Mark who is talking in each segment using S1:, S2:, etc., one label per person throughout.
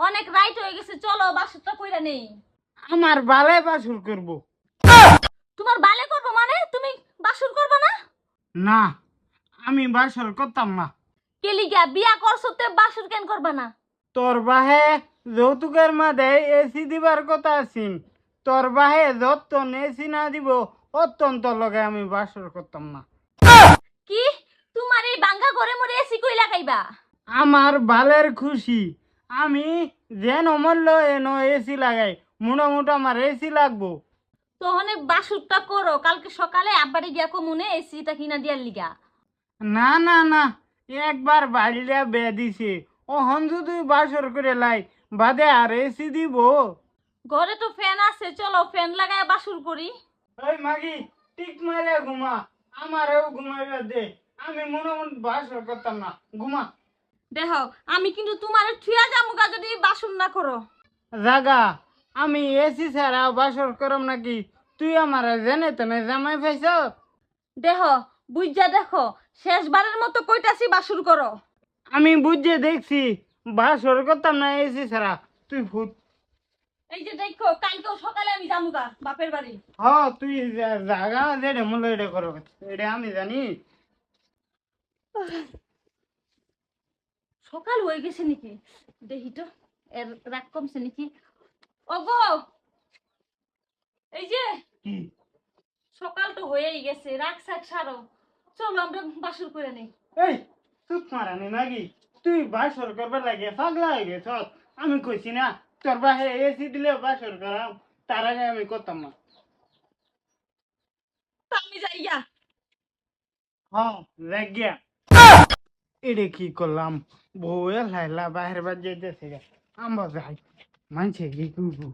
S1: অনেক রাইট হয়ে গেছে, চলো বাসরটা কইরা নেই।
S2: আমার বালে বাসর করব।
S1: তোমার বালে করবো মানে তুমি বাসর করবে না?
S2: না, আমি বাসর করতাম না।
S1: কেলিগা বিয়া করছো তে বাসর কেন করবে না?
S2: তোর বাহে যৌতুকের মাঝে এসি দিবার কথা আছিন। তোর বাহে যতন এসি না দিব অত্যন্ত লগে আমি বাসর করতাম না।
S1: কি তোমার এই বাঙ্গা ঘরে মরে এসি কই লাগাইবা?
S2: আমার বালের খুশি, আমি যেন মরল এন এসি লাগাই। মোটামুটি আমার এসি লাগবো।
S1: তোহনে বাসরটা করো, কালকে সকালে আব্বারে গিয়া কমুনে এসিটা কিনা দিয়ার লিগা।
S2: না না না, একবার বাড়িটা বে দিছে, ওহন যদি বাসর করে লাই বাদে আর এসি দিব?
S1: ঘরে তো ফ্যান আছে, চলো ফ্যান লাগায় বাসর করি।
S2: ওই মাগি টিক মারে ঘুমা, আমারও ঘুমাইবা দে। আমি মোটামুটি বাসর করতাম না, ঘুমা।
S1: দেখো আমি কিন্তু তোমার থুয়া জামুগা যদি বাসর না করো।
S2: জাগা, আমি এসি ছাড়া বাসর করম নাকি? তুই আমার জেনে তেনে জামাই পাইছ?
S1: দেখো বুঝা দেখো, শেষবারের মতো কইতাছি বাসর করো।
S2: আমি বুঝে দেখছি বাসর করতাম না এসি ছাড়া। তুই ভূত।
S1: এই যে দেখো কালকেও সকালে আমি জামুগা বাপের বাড়ি।
S2: হ, তুই জাগা যেটা মূল্য এটা করো, এটা আমি জানি।
S1: সকাল হয়ে গেছে নাকি? দেখি তো এর রাগ কমছে নাকি। ওগো, এই যে
S2: কি?
S1: সকাল তো হয়েই গেছে, রাগ সাগ সারো, চলো আমরা বাসর করে নেই।
S2: এই চুপ মারানি নাকি? তুই বাসর করবার লাগে পাগলা হয়ে গেছ। আমি কইছি না তোর বাহে এসি দিলে বাসর করাম, তার আগে আমি করতাম না।
S1: তো আমি যাইয়া।
S2: হ্যাঁ, লাগিয়া এটা কি করলাম? বউয়ে লাইলা বাহির বাদ যাইতেছে গা। আমরা যাই, মানছে কি করবো?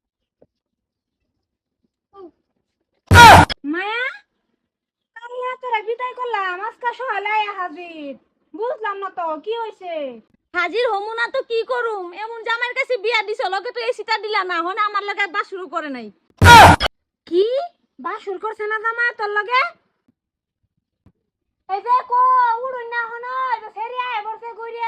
S3: মায়া, কাল্লা তোরা বিদায় করলাম, আজকে সকালে আয়া হাজির। বুঝলাম না তো কি হয়েছে।
S1: হাজির হমু না তো কি করুম, এমন জামাইয়ের কাছে বিয়া দিছ, লগে তো এসিটা দিলা না, হনে আমার লগে বাসর করে নাই।
S3: কি বাসুর করছে না জামা তোর লগে? এই যে কো উড়ুন না হনো, এই যে সেরি আয় বসে ঘুরিয়া,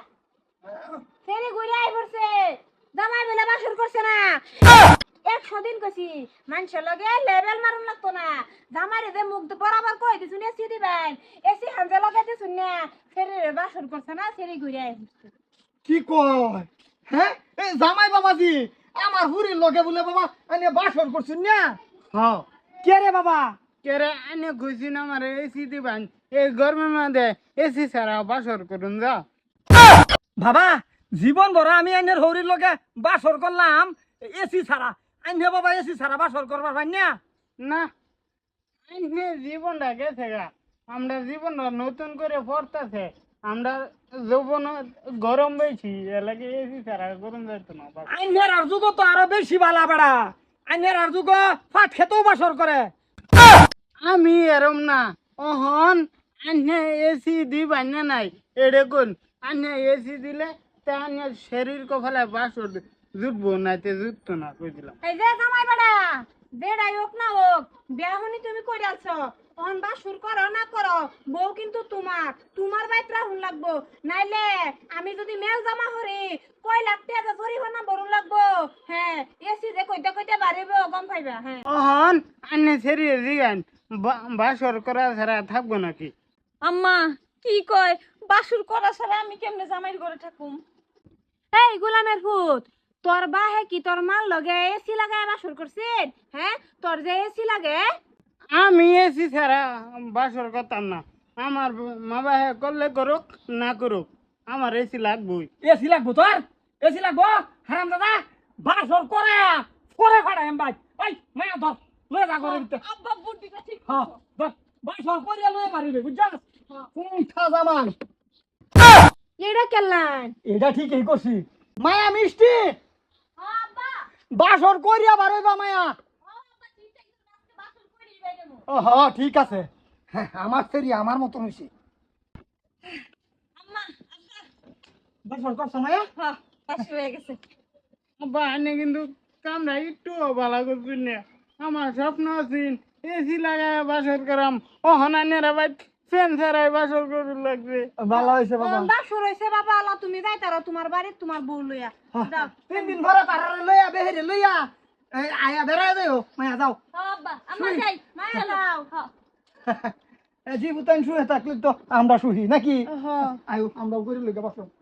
S3: সেরি ঘুরিয়া আয় বসে। জামাই বেলা বাসুর করছে না। 100 দিন কইছি মানুষের লগে লেভেল মারুন লাগতো না। জামাইরে যে মুখ বরাবর কই দিছুন এসি দিবেন, এসি হানজে লগে দিছুন না। সেরি বাসুর করছে না, সেরি ঘুরিয়া আয় বসে।
S4: কি কয়? হ্যাঁ, এই জামাই বাবাজি আমার হুরির লগে বলে বাবা আনে বাসর করছুন না।
S2: হ্যাঁ,
S4: কে রে বাবা?
S2: কেরে আনে কইছি না আমার এসি দিবান, এই গরমের মধ্যে এসি ছাড়া বাসর করুন যা।
S4: বাবা জীবন ভর আমি আইনের হরির লগে বাসর করলাম এসি ছাড়া। আইনে বাবা এসি ছাড়া বাসর করবার পাই না।
S2: না, আইনে জীবনটা গেছে গা। আমরা জীবনটা নতুন করে পড়তেছে। আমরা যৌবন গরম বেশি, এলাকে এসি ছাড়া গরম যাইতো না।
S4: আইনের আর যুগ তো আরো বেশি বালা বেড়া। আইনের আর যুগ ফাট খেতেও বাসর করে।
S2: আমি এরম না। অহন আনে এসি দিবান না নাই এডে কোন? আনে এসি দিলে তা আনে শরীর কফালে বাসর জুটবো না, তে জুটতো না কই দিলাম।
S3: এই যে জামাই বেড়া, বেড়াই হোক না হোক, বিয়াহনি তুমি কই আছো। অন বাসুর করো না করো, বউ কিন্তু তোমার, তোমার বাইত্রা হুন লাগবো। নাইলে আমি যদি মেল জামা হরি, কই লাগতে আছে জরিমানা বরুন লাগবো। হ্যাঁ, এসি যে কইতে কইতে বাড়িব, গম পাইবা। হ্যাঁ,
S2: অহন আনে শরীর দিগান বাসর করা ছাড়া থাকবো নাকি?
S1: আম্মা কি কয়, বাসর করা ছাড়া আমি কেমনে জামাইর ঘরে থাকুম?
S3: এই গোলামের ফুট, তোর বাহে কি তোর মাল লগে এসি লাগায় বাসুর করছিস? হ্যাঁ, তোর যে এসি লাগে।
S2: আমি এসি ছাড়া বাসর করতাম না। আমার মা বাহে করলে করুক, না করুক, আমার এসি লাগবই।
S4: এসি লাগবো তোর? এসি লাগবো? হারাম দাদা বাসর করে করে ফাড়া এম ভাই। এই মায়া ধর লয়ে যা করে দিতে।
S1: আব্বা বুদ্ধিটা ঠিক
S4: হ্যাঁ ধর, বাসর করে লয়ে পারিবে বুঝছাস? কোনটা জামান?
S3: এটা কেলান?
S4: এটা ঠিকই করছি। মায়া মিষ্টি
S1: আব্বা।
S4: বাসর করিয়া বারইবা মায়া।
S1: আব্বা চিন্তা কিছু না, আজকে বাসর করেই বাইরেমু।
S4: ও হ্যাঁ ঠিক আছে। হ্যাঁ আমার সেরি আমার মতন হইছে।
S1: আম্মা আব্বা।
S4: বাসর করছ মায়া?
S1: হ্যাঁ, বাসর হয়ে গেছে।
S2: আব্বা আনে কিন্তু কামরা একটু ভালো করছেন না। আমার স্বপ্ন আছে এসি লাগায় বাসর করাম। অহন আনের আবার ফ্যান ছাড়াই বাসর করুন লাগবে।
S4: ভালো হয়েছে বাবা।
S3: বাসর হইছে বাবা, আল্লাহ তুমি যাইতারো তোমার বাড়ি তোমার বউ লইয়া যাও।
S4: 3 দিন ভরে তারা লইয়া বেহেরে লইয়া আয়া বেড়ায় যাও মায়া যাও।
S1: আব্বা আমরা যাই
S3: মায়া যাও।
S4: জীবতান শুয়ে থাকলে তো আমরা শুহি নাকি?
S3: হ্যাঁ
S4: আয়ো আমরাও করে লইগা বাসো।